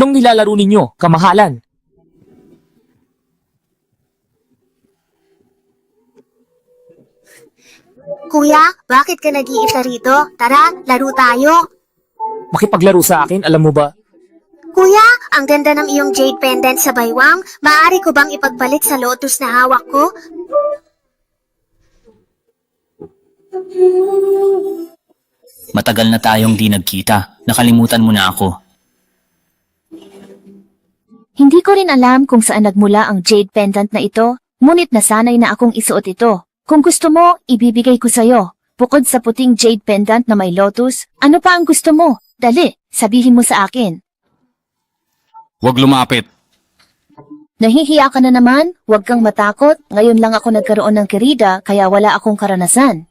Anong nilalaro ninyo, kamahalan? Kuya, bakit ka nag-iisa rito? Tara, laro tayo. Makipaglaro sa akin, alam mo ba? Kuya, ang ganda ng iyong jade pendant sa baywang. Maaari ko bang ipagbalik sa lotus na hawak ko? Matagal na tayong di nagkita. Nakalimutan mo na ako. Hindi ko rin alam kung saan nagmula ang jade pendant na ito, ngunit nasanay na akong isuot ito. Kung gusto mo, ibibigay ko sa'yo. Bukod sa puting jade pendant na may lotus, ano pa ang gusto mo? Dali, sabihin mo sa akin. Huwag lumapit. Nahihiya ka na naman? Huwag kang matakot. Ngayon lang ako nagkaroon ng kirida, kaya wala akong karanasan.